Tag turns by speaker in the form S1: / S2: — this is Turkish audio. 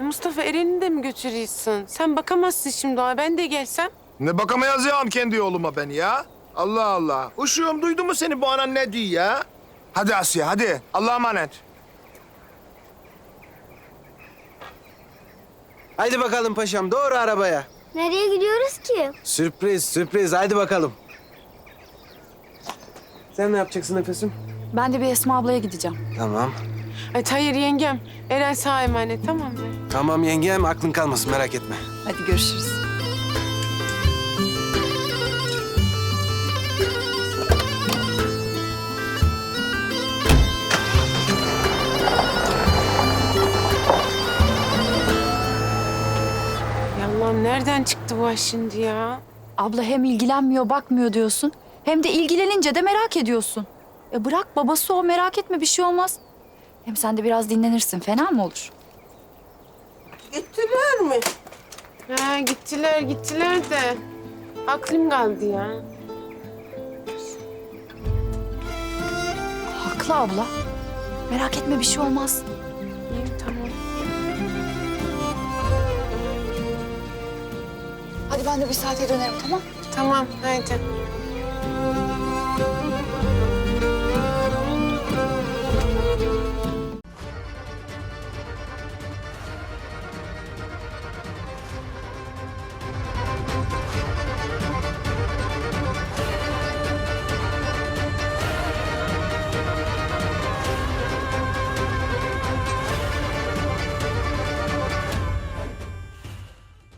S1: Mustafa Eren'i de mi götürüyorsun? Sen bakamazsın şimdi ona. Ben de gelsem.
S2: Ne bakamayacağım kendi yoluma ben ya. Allah Allah. Uşuğum duydu mu seni bu anan ne diyor ya? Hadi Asya hadi. Allah'a emanet.
S3: Haydi bakalım paşam doğru arabaya.
S4: Nereye gidiyoruz ki?
S3: Sürpriz sürpriz haydi bakalım. Sen ne yapacaksın Nefesim?
S5: Ben de bir Esma ablaya gideceğim.
S3: Tamam.
S1: Ay hayır yengem. Eren sana emanet, tamam mı?
S3: Tamam yengem aklın kalmasın merak etme.
S5: Hadi görüşürüz.
S1: Ya Allah'ım nereden çıktı bu aş şimdi ya?
S5: Abla hem ilgilenmiyor, bakmıyor diyorsun. Hem de ilgilenince de merak ediyorsun. Bırak babası o, merak etme, bir şey olmaz. Hem sen de biraz dinlenirsin, fena mı olur?
S1: Gittiler mi? Ha gittiler de. Aklım kaldı ya.
S5: Haklı abla. Merak etme, bir şey olmaz.
S1: İyi tamam.
S5: Hadi ben de bir saate dönerim, tamam?
S1: Tamam haydi.